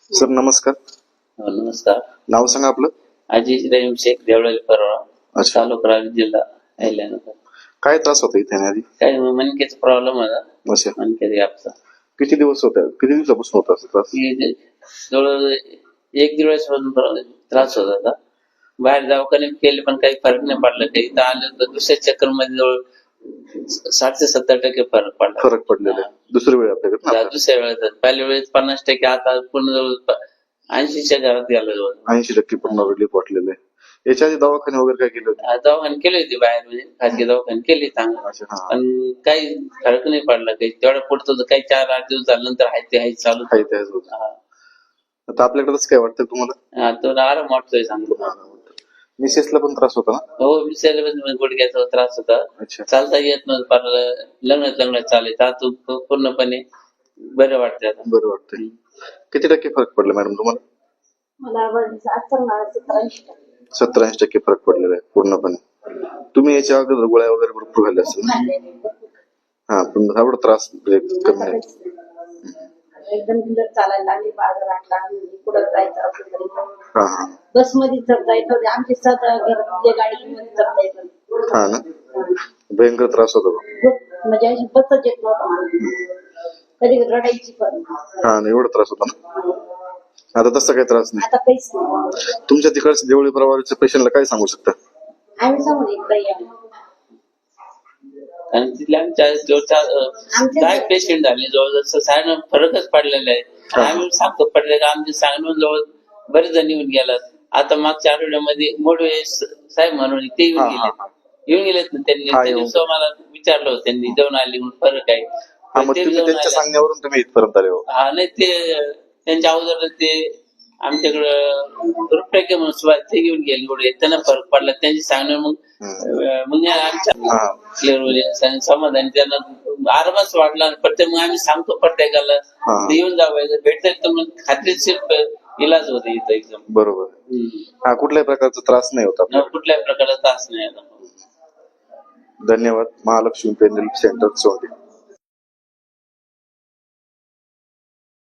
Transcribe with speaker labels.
Speaker 1: Sir नमस्कार.
Speaker 2: नमस्कार.
Speaker 1: नाव सांगा आपलं.
Speaker 2: अजीज रहीम शेख देवळाली परवा,
Speaker 1: अच्छा.
Speaker 2: तालुका रावेर, जिल्हा अहिल्यानगर.
Speaker 1: काय त्रास होता इथे आधी?
Speaker 2: काय मणक्याचा प्रॉब्लेम होता.
Speaker 1: अच्छा.
Speaker 2: मणक्याचा गॅपचा.
Speaker 1: किती दिवस होता, किती दिवसापासून होता असा त्रास?
Speaker 2: जवळ 1-1.5 वर्षापासून त्रास होत होता. बाहेर दवाखान्यात केले पण काही फरक नाही पडला. काही इथं आलं तर दुसऱ्या चक्कर मध्ये जवळ 60 ते 70% फरक पडला.
Speaker 1: फरक पडलेला आहे. दुसरी वेळ आपल्याकडे
Speaker 2: दुसऱ्या वेळेस पहिल्या वेळेस 50%, आता पूर्ण जवळ 80च्या घरात गेलो जवळ.
Speaker 1: 80% पूर्ण रिलीफ वाटलेलं आहे. याच्या आधी दवाखाने वगैरे काय केले होते?
Speaker 2: दवाखाने केले होते बाहेर, म्हणजे खाजगी दवाखाने केले चांगलं, पण काही फरक नाही पडला. काही तेवढा पुढचं काही 4-8 दिवस झाल्यानंतर आहे ते चालू.
Speaker 1: आता आपल्याकडे काय वाटतं तुम्हाला?
Speaker 2: तो आराम वाटतोय चांगला.
Speaker 1: मिसेसला पण त्रास होता ना?
Speaker 2: हो, मिसेसला गुडघ्याचा त्रास होता. चालता येत नव्हतं, लग्न चालायचं. आता पूर्णपणे बरं वाटतंय.
Speaker 1: बरं वाटतंय. किती टक्के फरक पडला मॅडम तुम्हाला?
Speaker 3: मला
Speaker 1: 70-80% फरक पडलेला आहे पूर्णपणे. तुम्ही याच्या अगोदर गोळ्या वगैरे भरपूर खाल्ल्या असतील. हा, पण एवढा त्रास कमी नाही.
Speaker 3: एकदम सुंदर चालायला लागली, बाजारातला कुठं
Speaker 1: हा.
Speaker 3: बस मध्ये चढता येत होते, आमची गाडीमध्ये चढता येत होते.
Speaker 1: हा ना, भयंकर त्रास होतो.
Speaker 3: म्हणजे अशी बसच येत नव्हतं मला. कधी रडायची पण.
Speaker 1: हा, एवढा त्रास होता ना. आता तसं काही त्रास नाही.
Speaker 3: आता काहीच नाही.
Speaker 1: तुमच्या तिकडच्या देवळी प्रवाराच्या पेशंटला काय सांगू शकता?
Speaker 3: आम्ही सांगू एकदा या.
Speaker 2: आणि तिथल्या आमच्या काय पेशंट झाले जवळ सांगणं फरकच पडलेला आहे. आम्ही सांगतो पडले का आमचे सांगणं जवळ बरेच जण येऊन गेलात. आता मागच्या आठवड्यामध्ये मोडवे साहेब म्हणून ते येऊन गेलेत ना. त्यांनी त्या दिवशी मला विचारलं होतं, त्यांनी जाऊन आले म्हणून फरक आहे.
Speaker 1: त्यांच्या सांगण्यावरून तुम्ही इथपर्यंत आले हो?
Speaker 2: हा, नाही ते त्यांच्या अगोदर ते आमच्याकडं रुपये म्हणून ते घेऊन गेले. त्यांना फरक पडला त्यांची सांगणं. मग आमच्या समाधान त्यांना आरामच वाटला. प्रत्येक मग आम्ही सांगतो प्रत्येकाला येऊन जावं, भेटत तर मग खात्रीशीर इलाज होते इथं एकदम.
Speaker 1: बरोबर. हा, कुठल्याही प्रकारचा त्रास नाही होता?
Speaker 2: कुठल्याही प्रकारचा त्रास नाही.
Speaker 1: धन्यवाद. महालक्ष्मी पेन रिलीफ सेंटर सोंडे.